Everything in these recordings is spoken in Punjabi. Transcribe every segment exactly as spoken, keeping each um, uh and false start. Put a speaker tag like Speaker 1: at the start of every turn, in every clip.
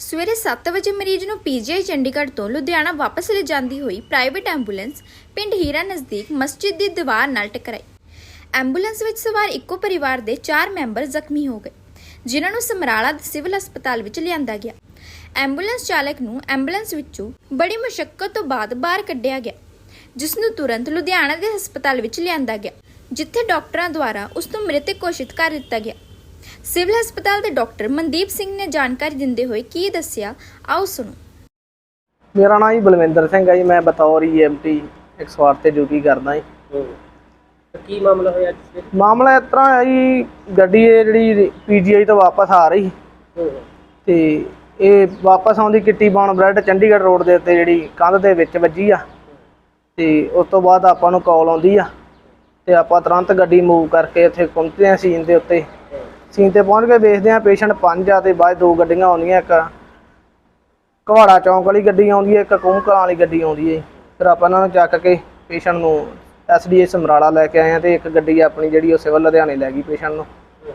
Speaker 1: ਸਵੇਰੇ ਸੱਤ ਵਜੇ ਮਰੀਜ਼ ਨੂੰ ਪੀਜੀਆਈ ਚੰਡੀਗੜ੍ਹ ਤੋਂ ਲੁਧਿਆਣਾ ਵਾਪਸ ਲੈ ਜਾਂਦੀ ਹੋਈ ਪ੍ਰਾਈਵੇਟ ਐਂਬੂਲੈਂਸ ਪਿੰਡ ਹੀਰਾ ਨਜ਼ਦੀਕ ਮਸਜਿਦ ਦੀ ਦੀਵਾਰ ਨਾਲ ਟਕਰਾਈ। ਐਂਬੂਲੈਂਸ ਵਿੱਚ ਸਵਾਰ ਇੱਕੋ ਪਰਿਵਾਰ ਦੇ ਚਾਰ ਮੈਂਬਰ ਜ਼ਖਮੀ ਹੋ ਗਏ, ਜਿਨ੍ਹਾਂ ਨੂੰ ਸਮਰਾਲਾ ਦੇ ਸਿਵਲ ਹਸਪਤਾਲ ਵਿੱਚ ਲਿਆਂਦਾ ਗਿਆ। ਐਂਬੂਲੈਂਸ ਚਾਲਕ ਨੂੰ ਐਂਬੂਲੈਂਸ ਵਿੱਚੋਂ ਬੜੀ ਮੁਸ਼ੱਕਤ ਤੋਂ ਬਾਅਦ ਬਾਹਰ ਕੱਢਿਆ ਗਿਆ, ਜਿਸ ਨੂੰ ਤੁਰੰਤ ਲੁਧਿਆਣਾ ਦੇ ਹਸਪਤਾਲ ਵਿੱਚ ਲਿਆਂਦਾ ਗਿਆ, ਜਿੱਥੇ ਡਾਕਟਰਾਂ ਦੁਆਰਾ ਉਸ ਨੂੰ ਮ੍ਰਿਤਕ ਘੋਸ਼ਿਤ ਕਰ ਦਿੱਤਾ ਗਿਆ। ਸਿਵਲ ਹਸਪਤਾਲ ਦੇ ਡਾਕਟਰ ਮਨਦੀਪ ਸਿੰਘ ਨੇ ਜਾਣਕਾਰੀ ਦਿੰਦੇ ਹੋਏ ਕੀ ਦੱਸਿਆ, ਆਓ ਸੁਣੋ।
Speaker 2: ਮੇਰਾ ਨਾਮ ਜੀ ਬਲਵਿੰਦਰ ਸਿੰਘ ਹੈ ਜੀ। ਮੈਂ ਬਤੌਰ ਈ ਐਮ ਟੀ ਇੱਕ ਸੌ ਅੱਠ ਤੇ ਡਿਊਟੀ ਕਰਦਾ ਜੀ।
Speaker 3: ਕੀ ਮਾਮਲਾ ਹੋਇਆ ਜੀ?
Speaker 2: ਮਾਮਲਾ ਇਸ ਤਰ੍ਹਾਂ ਹੈ ਜੀ, ਗੱਡੀ ਇਹ ਜਿਹੜੀ ਪੀਜੀਆਈ ਤੋਂ ਵਾਪਸ ਆ ਰਹੀ ਤੇ ਇਹ ਵਾਪਸ ਆਉਂਦੀ Kitty Brown bread Chandigarh road ਦੇ ਉੱਤੇ ਜਿਹੜੀ ਕੰਧ ਦੇ ਵਿੱਚ ਵੱਜੀ ਆ ਤੇ ਉਸ ਤੋਂ ਬਾਅਦ ਆਪਾਂ ਨੂੰ ਕਾਲ ਆਉਂਦੀ ਆ ਤੇ ਆਪਾਂ ਤੁਰੰਤ ਗੱਡੀ ਮੂਵ ਕਰਕੇ ਇੱਥੇ ਪਹੁੰਚਦੇ ਹਾਂ ਸੀਨ ਦੇ ਉੱਤੇ। ਸੀਨ ਤੇ ਪਹੁੰਚ ਕੇ ਵੇਖਦੇ ਹਾਂ ਪੇਸ਼ੈਂਟ ਪੰਜ ਆ ਤੇ ਬਾਅਦ ਦੋ ਗੱਡੀਆਂ ਆਉਂਦੀਆਂ, ਇੱਕ ਘਵਾੜਾ ਚੌਂਕ ਵਾਲੀ ਗੱਡੀ ਆਉਂਦੀ ਹੈ, ਇੱਕ ਕੂੰਕਲਾਂ ਵਾਲੀ ਗੱਡੀ ਆਉਂਦੀ ਹੈ। ਫਿਰ ਆਪਾਂ ਇਹਨਾਂ ਨੂੰ ਚੱਕ ਕੇ ਪੇਸ਼ੈਂਟ ਨੂੰ ਐਸ ਡੀ ਏ ਸਮਰਾਲਾ ਲੈ ਕੇ ਆਏ ਹਾਂ ਤੇ ਇੱਕ ਗੱਡੀ ਆਪਣੀ ਜਿਹੜੀ ਉਹ ਸਿਵਲ ਲੁਧਿਆਣੇ ਲੈ ਗਈ ਪੇਸ਼ੈਂਟ ਨੂੰ।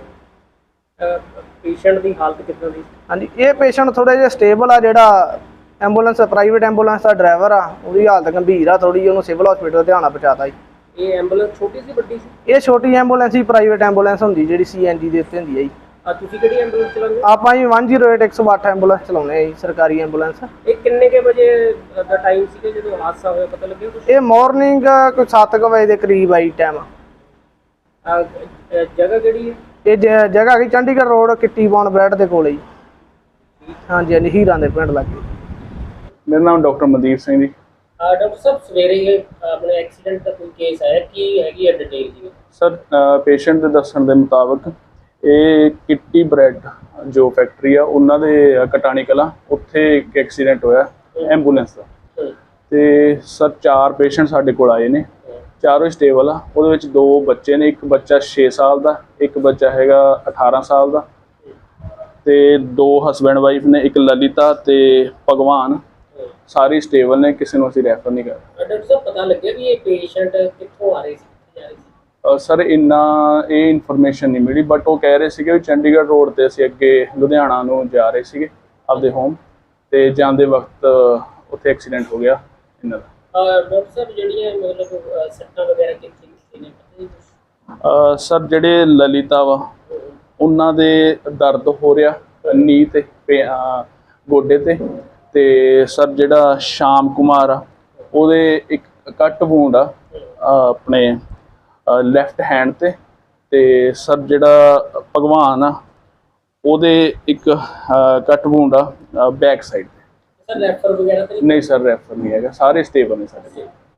Speaker 3: ਪੇਸ਼ੈਂਟ ਦੀ ਹਾਲਤ ਕਿੱਦਾਂ ਦੀ?
Speaker 2: ਹਾਂਜੀ, ਇਹ ਪੇਸ਼ੈਂਟ ਥੋੜਾ ਜਿਹਾ ਸਟੇਬਲ ਆ। ਜਿਹੜਾ ਐਂਬੂਲੈਂਸ ਪ੍ਰਾਈਵੇਟ ਐਂਬੂਲੈਂਸ ਦਾ ਡਰਾਈਵਰ ਆ ਉਹਦੀ ਹਾਲਤ ਗੰਭੀਰ ਆ ਥੋੜੀ ਜਿਹੀ, ਉਹਨੂੰ ਸਿਵਲ ਹਸਪੀਟਲ ਲੁਧਿਆਣਾ ਪਹੁੰਚਾਤਾ ਜੀ।
Speaker 3: ਇਹ ਐਂਬੂਲੈਂਸ ਛੋਟੀ ਸੀ ਵੱਡੀ ਸੀ?
Speaker 2: ਇਹ ਛੋਟੀ ਐਂਬੂਲੈਂਸ ਹੀ ਪ੍ਰਾਈਵੇਟ ਐਂਬੂਲੈਂਸ ਹੁੰਦੀ ਜਿਹੜੀ ਸੀ ਐਨ ਜੀ ਦੇ ਉੱਤੇ ਹੁੰਦੀ ਹੈ ਜੀ।
Speaker 3: ਆ ਤੁਸੀਂ ਕਿਹੜੀ ਐਂਬੂਲੈਂਸ ਚਲਾਉਂਦੇ?
Speaker 2: ਆਪਾਂ ਜੀ ਇੱਕ ਜ਼ੀਰੋ ਅੱਠ ਇੱਕ ਸੌ ਅੱਠ ਐਂਬੂਲੈਂਸ ਚਲਾਉਂਦੇ ਆ ਜੀ, ਸਰਕਾਰੀ ਐਂਬੂਲੈਂਸ।
Speaker 3: ਇਹ ਕਿੰਨੇ ਕੇ ਵਜੇ ਦਾ ਟਾਈਮ ਸੀਗਾ ਜਦੋਂ ਹਾਦਸਾ ਹੋਇਆ, ਪਤਾ ਲੱਗਿਆ ਕੁਝ?
Speaker 2: ਇਹ ਮਾਰਨਿੰਗ ਕੋਈ ਸੱਤ ਕੁ ਵਜੇ ਦੇ ਕਰੀਬ ਆਈ ਟਾਈਮ।
Speaker 3: ਜਗ੍ਹਾ ਕਿਹੜੀ ਹੈ
Speaker 2: ਇਹ ਜ- ਜਗ੍ਹਾ ਹੈਗੀ Chandigarh road Kitty Brown bread ਦੇ ਕੋਲੇ ਜੀ। ਹਾਂਜੀ ਹਾਂਜੀ, ਹੀਰਾਂ ਦੇ ਪਿੰਡ ਲੱਗੇ।
Speaker 4: ਮੇਰਾ ਨਾਮ ਡਾਕਟਰ ਮਨਦੀਪ ਸਿੰਘ ਜੀ।
Speaker 3: ਡਾਕਟਰ ਸਾਹਿਬ, ਸਵੇਰੇ ਇਹ ਆਪਣੇ ਐਕਸੀਡੈਂਟ ਦਾ ਕੋਈ ਕੇਸ ਆਇਆ, ਕੀ ਹੈਗੀ ਹੈ ਡਿਟੇਲ ਜੀ?
Speaker 4: ਸਰ, ਪੇਸ਼ੈਂਟ ਦੇ ਦੱਸਣ ਦੇ ਮੁਤਾਬਕ ਇਹ ਕਿੱਟੀ ਬ੍ਰੈਡ ਜੋ ਫੈਕਟਰੀ ਆ ਉਹਨਾਂ ਦੇ ਕਟਾਣੀ ਕਲਾਂ, ਉੱਥੇ ਇੱਕ ਐਕਸੀਡੈਂਟ ਹੋਇਆ ਐਂਬੂਲੈਂਸ ਦਾ। ਤੇ ਸਰ ਚਾਰ ਪੇਸ਼ੈਂਟ ਸਾਡੇ ਕੋਲ ਆਏ ਨੇ, ਚਾਰੋਂ ਸਟੇਬਲ ਆ। ਉਹਦੇ ਵਿੱਚ ਦੋ ਬੱਚੇ ਨੇ, ਇੱਕ ਬੱਚਾ ਛੇ ਸਾਲ ਦਾ, ਇੱਕ ਬੱਚਾ ਹੈਗਾ ਅਠਾਰਾਂ ਸਾਲ ਦਾ, ਤੇ ਦੋ ਹਸਬੈਂਡ ਵਾਈਫ ਨੇ, ਇੱਕ ਲਲਿਤਾ ਤੇ ਭਗਵਾਨ। ਸਾਰੇ ਸਟੇਬਲ ਨੇ, ਕਿਸੇ ਨੂੰ ਅਸੀਂ ਰੈਫਰ ਨਹੀਂ ਕਰ ਰਹੇ।
Speaker 3: ਡਾਕਟਰ ਸਾਹਿਬ, ਪਤਾ ਲੱਗਿਆ ਵੀ ਇਹ ਪੇਸ਼ੈਂਟ ਕਿੱਥੋਂ ਆ ਰਹੇ ਸੀ, ਕਿੱਥੇ ਜਾ ਰਹੇ ਸੀ?
Speaker 4: ਸਰ ਇੰਨਾ ਇਹ ਇਨਫੋਰਮੇਸ਼ਨ ਨਹੀਂ ਮਿਲੀ, ਬਟ ਉਹ ਕਹਿ ਰਹੇ ਸੀਗੇ ਵੀ ਚੰਡੀਗੜ੍ਹ ਰੋਡ ਤੇ ਅਸੀਂ ਅੱਗੇ ਲੁਧਿਆਣਾ ਨੂੰ ਜਾ ਰਹੇ ਸੀਗੇ ਆਪਦੇ ਹੋਮ, ਤੇ ਜਾਂਦੇ ਵਕਤ ਉੱਥੇ ਐਕਸੀਡੈਂਟ ਹੋ ਗਿਆ ਇਹਨਾਂ ਦਾ।
Speaker 3: ਡਾਕਟਰ ਸਾਹਿਬ, ਜਿਹੜੀਆਂ ਮਤਲਬ ਸੱਟਾਂ ਵਗੈਰਾ ਕਿੱਥੇ ਕਿੱਥੇ ਨੇ, ਪਤਾ ਨਹੀਂ?
Speaker 4: ਸਰ ਜਿਹੜੇ ਲਲਿਤਾ ਵਾ ਉਹਨਾਂ ਦੇ ਦਰਦ ਹੋ ਰਿਹਾ ਨੀ ਤੇ ਗੋਡੇ ਤੇ, ਤੇ ਸਰ ਜਿਹੜਾ ਸ਼ਾਮ ਕੁਮਾਰ ਆ ਉਹਦੇ ਇੱਕ ਕੱਟ ਵੂੰਡ ਆ ਆਪਣੇ ਲੈਫਟ ਹੈਂਡ ਤੇ, ਤੇ ਸਰ ਜਿਹੜਾ ਭਗਵਾਨ ਆ ਉਹਦੇ ਇੱਕ ਕੱਟ ਵੂੰਡ ਆ ਬੈਕ ਸਾਈਡ ਤੇ।
Speaker 3: ਸਰ ਰੈਫਰ ਵਗੈਰਾ ਤਾਂ
Speaker 4: ਨਹੀਂ ਸਰ, ਰੈਫਰ ਨਹੀਂ ਹੈਗਾ, ਸਾਰੇ ਸਟੇਬਲ ਨੇ ਸਾਡੇ।